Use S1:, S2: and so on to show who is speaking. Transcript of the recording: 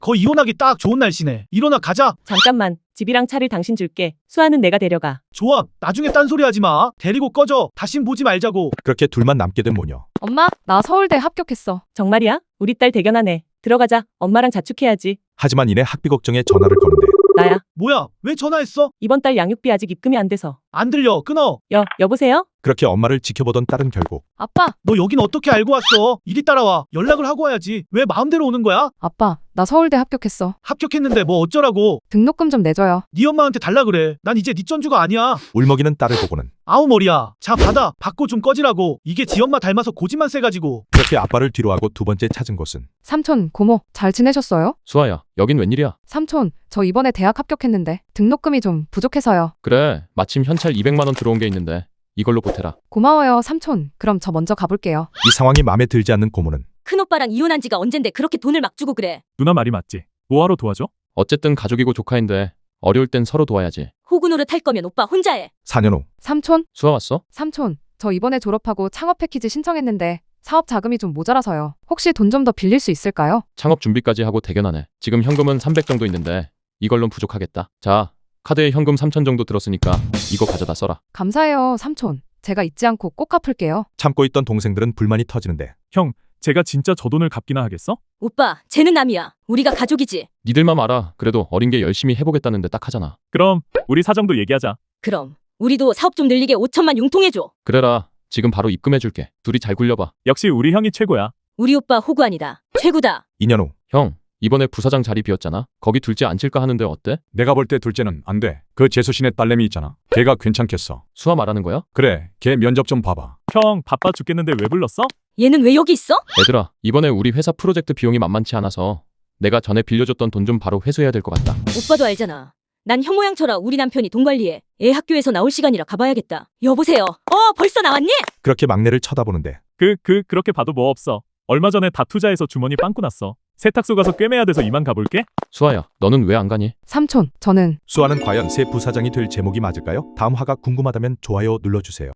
S1: 거 이혼하기 딱 좋은 날씨네. 일어나 가자.
S2: 잠깐만. 집이랑 차를 당신 줄게. 수아는 내가 데려가.
S1: 좋아. 나중에 딴소리 하지 마. 데리고 꺼져. 다신 보지 말자고.
S3: 그렇게 둘만 남게 된 모녀.
S4: 엄마, 나 서울대 합격했어.
S2: 정말이야? 우리 딸 대견하네. 들어가자. 엄마랑 자축해야지.
S3: 하지만 이내 학비 걱정에 전화를 거는데
S2: 나야.
S1: 뭐야? 왜 전화했어?
S2: 이번 달 양육비 아직 입금이 안 돼서.
S1: 안 들려. 끊어.
S2: 여보세요?
S3: 그렇게 엄마를 지켜보던 딸은 결국
S4: 아빠,
S1: 너 여긴 어떻게 알고 왔어? 이리 따라와. 연락을 하고 와야지. 왜 마음대로 오는 거야?
S4: 아빠, 나 서울대 합격했어.
S1: 합격했는데 뭐 어쩌라고.
S4: 등록금 좀 내줘요.
S1: 네 엄마한테 달라 그래. 난 이제 네 전주가 아니야.
S3: 울먹이는 딸을 보고는
S1: 아우 머리야. 자 받아. 받고 좀 꺼지라고. 이게 지 엄마 닮아서 고집만 세가지고.
S3: 그렇게 아빠를 뒤로하고 두 번째 찾은 곳은
S4: 삼촌, 고모, 잘 지내셨어요?
S5: 수아야, 여긴 웬일이야?
S4: 삼촌, 저 이번에 대학 합격했는데 등록금이 좀 부족해서요.
S5: 그래, 마침 현찰 200만 원 들어온 게 있는데 이걸로 보태라.
S4: 고마워요, 삼촌. 그럼 저 먼저 가볼게요.
S3: 이 상황이 마음에 들지 않는 고모는
S6: 큰오빠랑 이혼한 지가 언젠데 그렇게 돈을 막 주고 그래.
S7: 누나 말이 맞지. 뭐하러 도와줘?
S5: 어쨌든 가족이고 조카인데 어려울 땐 서로 도와야지.
S6: 호구 노릇 할 거면 오빠 혼자 해.
S3: 4년 후
S4: 삼촌,
S5: 수아 왔어?
S4: 삼촌, 저 이번에 졸업하고 창업 패키지 신청했는데 사업 자금이 좀 모자라서요. 혹시 돈 좀 더 빌릴 수 있을까요?
S5: 창업 준비까지 하고 대견하네. 지금 현금은 300 정도 있는데 이걸론 부족하겠다. 자, 카드에 현금 3천 정도 들었으니까 이거 가져다 써라.
S4: 감사해요, 삼촌. 제가 잊지 않고 꼭 갚을게요.
S3: 참고 있던 동생들은 불만이 터지는데
S7: 형, 제가 진짜 저 돈을 갚기나 하겠어?
S6: 오빠, 쟤는 남이야. 우리가 가족이지.
S5: 니들만 알아. 그래도 어린 게 열심히 해보겠다는데 딱 하잖아.
S7: 그럼 우리 사정도 얘기하자.
S6: 그럼 우리도 사업 좀 늘리게 5천만 융통해줘.
S5: 그래라. 지금 바로 입금해줄게. 둘이 잘 굴려봐.
S7: 역시 우리 형이 최고야.
S6: 우리 오빠 호구 아니다. 최고다.
S3: 2년 후
S5: 형, 이번에 부사장 자리 비었잖아. 거기 둘째 앉힐까 하는데 어때?
S8: 내가 볼 때 둘째는 안 돼. 그 재수신의 딸내미 있잖아. 걔가 괜찮겠어.
S5: 수아 말하는 거야?
S8: 그래, 걔 면접 좀 봐봐.
S7: 형, 바빠 죽겠는데 왜 불렀어?
S6: 얘는 왜 여기 있어?
S5: 얘들아, 이번에 우리 회사 프로젝트 비용이 만만치 않아서 내가 전에 빌려줬던 돈 좀 바로 회수해야 될 것 같다.
S6: 오빠도 알잖아. 난 형 모양 쳐라. 우리 남편이 돈 관리해. 애 학교에서 나올 시간이라 가봐야겠다. 여보세요. 벌써 나왔니?
S3: 그렇게 막내를 쳐다보는데
S7: 그렇게 봐도 뭐 없어. 얼마 전에 다 투자해서 주머니 빵꾸 났어. 세탁소 가서 꿰매야 돼서 이만 가볼게.
S5: 수아야, 너는 왜 안 가니?
S4: 삼촌, 저는
S3: 수아는 과연 새 부사장이 될 제목이 맞을까요? 다음 화가 궁금하다면 좋아요 눌러주세요.